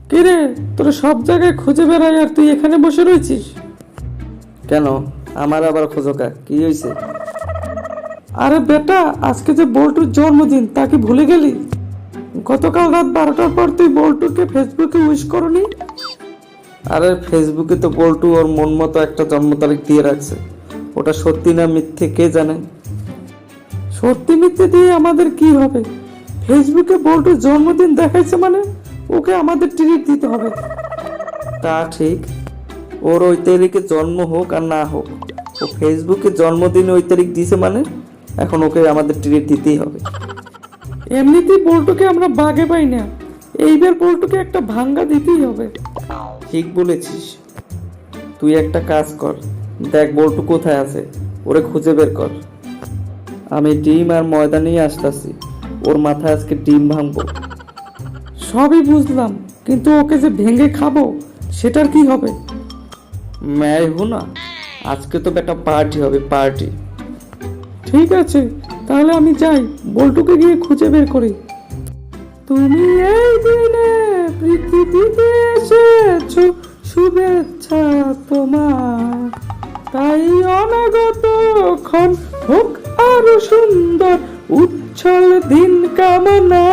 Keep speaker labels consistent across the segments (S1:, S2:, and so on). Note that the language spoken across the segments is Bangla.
S1: কিরে, তোরা সব জায়গায় খুঁজে বেড়াই আর তুই এখানে বসে রয়েছিস
S2: কেন? আমার আবার খোঁজকা কি হয়েছে?
S1: আরে বেটা, আজকে যে বল্টুর জন্মদিন তা কি ভুলে গেলি? গতকাল রাত 12টার পর তুই বল্টুকে ফেসবুকে উইশ করনি?
S2: আরে ফেসবুকে তো বল্টু ওর মন মতো একটা জন্ম তারিখ দিয়ে রাখছে, ওটা সত্যি না মিথ্যে কে জানে।
S1: সত্যি মিথ্যে দিয়ে আমাদের কি হবে? ফেসবুকে বল্টুর জন্মদিন দেখাইছে মানে ওকে আমাদের ট্রিট দিতে হবে।
S2: তা ঠিক, ওর ওই তারিখে জন্ম হোক আর না হোক, ও ফেসবুকে জন্মদিন ওই তারিখ দিছে মানে এখন ওকে আমাদের ট্রিট দিতেই হবে।
S1: এমনিতেই বল্টুকে আমরা বাগে পাই না, এইবার বল্টুকে একটা ভাঙ্গা দিতেই হবে।
S2: ঠিক বলেছিস। তুই একটা কাজ কর, দেখ বল্টু কোথায় আছে, ওরে খুঁজে বের কর। আমি ডিম আর ময়দা নিয়ে আসতেছি, ওর মাথায় আজকে ডিম ভাঙবো।
S1: সবই বুঝলাম, কিন্তু ওকে যে ভেঙে খাবো সেটার কি হবে?
S2: ম্যায় হো না, আজকে তো একটা পার্টি হবে, পার্টি।
S1: ঠিক আছে, তাহলে আমি যাই, বল্টুকে গিয়ে খুঁজে বের করি। তুমি এই দিনে পৃথিবীতে এসেছো, শুভেচ্ছা তোমার, তাই অনাগত ক্ষণ হোক আরো সুন্দর, উচ্ছল দিন কামনা।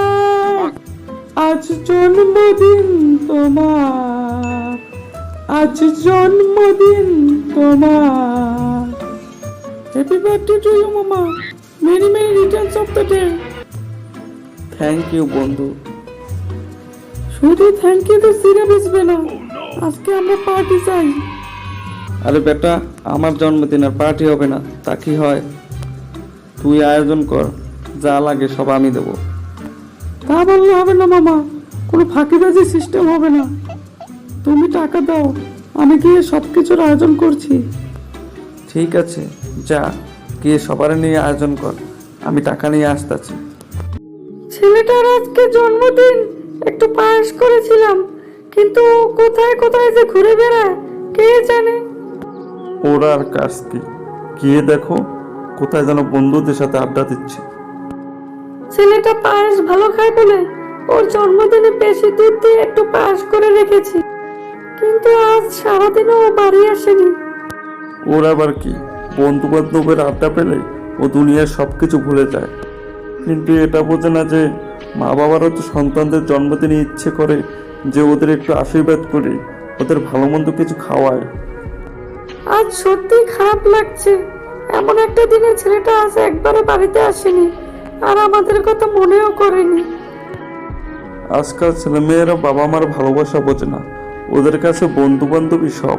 S1: আজ জন্মদিন তোমার, আজ জন্মদিন তোমার। হ্যাপি বার্থডে টু ইউ মামা, many many returns of the day.
S2: Thank you বন্ধু।
S1: শুধু থ্যাংক ইউ তো সিরা বুঝবে না, আজকে আমরা পার্টি চাই।
S2: আরে বেটা, আমার জন্মদিন আর পার্টি হবে না তা কি হয়? তুই আয়োজন কর, যা লাগে সব আমি দেবো।
S1: তা বললে হবে না মামা, কোনো ফাঁকিবাজি সিস্টেম হবে না। তুমি টাকা দাও, আমি গিয়ে সব কিছুর আয়োজন করছি।
S2: ঠিক আছে, যা গিয়ে সবার নিয়ে আয়োজন কর, আমি টাকা নিয়ে আসতেছি।
S1: ছেলেটার আজকে জন্মদিন, একটু পায়েস করেছিলাম, কিন্তু ও কোথায় কোথায় যে ঘুরে বেড়ায় কে জানে।
S3: ওর আর কাজ কি, গিয়ে দেখো কোথায় যেন বন্ধুদের সাথে আড্ডা দিচ্ছে।
S1: ছেলেটা পায়েস ভালো খায় বলে ওর জন্মদিনে বেশি দুধ দিয়ে একটু পায়েস করে রেখেছি, কিন্তু আজ সারাদিনও ও বাড়ি আসেনি।
S3: ওর আবার কি, বন্ধু বান্ধবের আড্ডা পেলে ও দুনিয়ার সবকিছু ভুলে যায়, কিন্তু এটা বোঝে না যে মা বাবারও তো সন্তানদের জন্মদিনে ইচ্ছে করে যে ওদের একটু আশীর্বাদ করে ওদের ভালো মন্দ কিছু খাওয়ায়।
S1: আজ সত্যি খারাপ লাগছে, এমন একটা দিনে ছেলেটা আজ একবারে বাড়িতে আসেনি আর আমাদের কথা মনেও করেনি।
S3: আজকাল ছেলেমেয়েরা বাবা মার ভালোবাসা বোঝে না, ওদের কাছে বন্ধু বান্ধবী সব।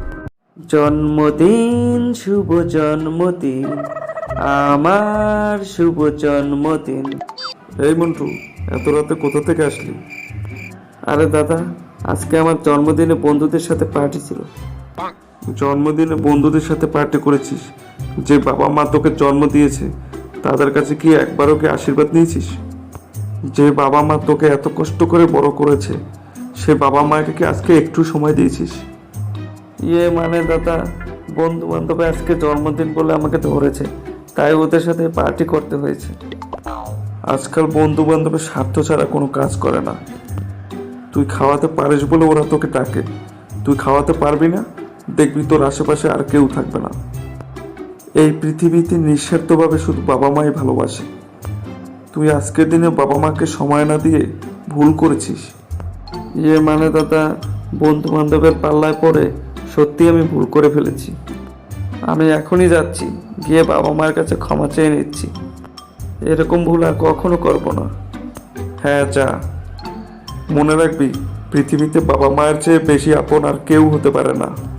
S2: জন্মদিন শুভ জন্মদিন, আমার শুভ জন্মদিন।
S3: এই মন্টু, এত রাতে কোথা থেকে আসলি?
S2: আরে দাদা, আজকে আমার জন্মদিনে বন্ধুদের সাথে পার্টি ছিল।
S3: জন্মদিনে বন্ধুদের সাথে পার্টি করেছিস? যে বাবা মা তোকে জন্ম দিয়েছে তাদের কাছে কি একবারও কি আশীর্বাদ নিয়েছিস? যে বাবা মা তোকে এত কষ্ট করে বড় করেছে সে বাবা মাকে কি আজকে একটু সময় দিয়েছিস?
S2: মানে দাদা, বন্ধু বান্ধব আজকে জন্মদিন বলে আমাকে ধরেছে, তাই ওদের সাথে পার্টি করতে হয়েছে।
S3: আজকাল বন্ধু বান্ধবের স্বার্থ ছাড়া কোনো কাজ করে না। তুই খাওয়াতে পারিস বলে ওরা তোকে ডাকে, তুই খাওয়াতে পারবি না, দেখবি তোর আশেপাশে আর কেউ থাকবে না। এই পৃথিবীতে নিঃস্বার্থভাবে শুধু বাবা মাই ভালোবাসে। তুই আজকের দিনে বাবা মাকে সময় না দিয়ে ভুল করেছিস।
S2: মানে দাদা, বন্ধু বান্ধবের পাল্লায় পড়ে সত্যি আমি ভুল করে ফেলেছি। আমি এখনই যাচ্ছি, গিয়ে বাবা মায়ের কাছে ক্ষমা চেয়ে নিচ্ছি। এরকম ভুল আর কখনো করব না।
S3: হ্যাঁ যা, মনে রাখবি পৃথিবীতে বাবা মায়ের চেয়ে বেশি আপন আর কেউ হতে পারে না।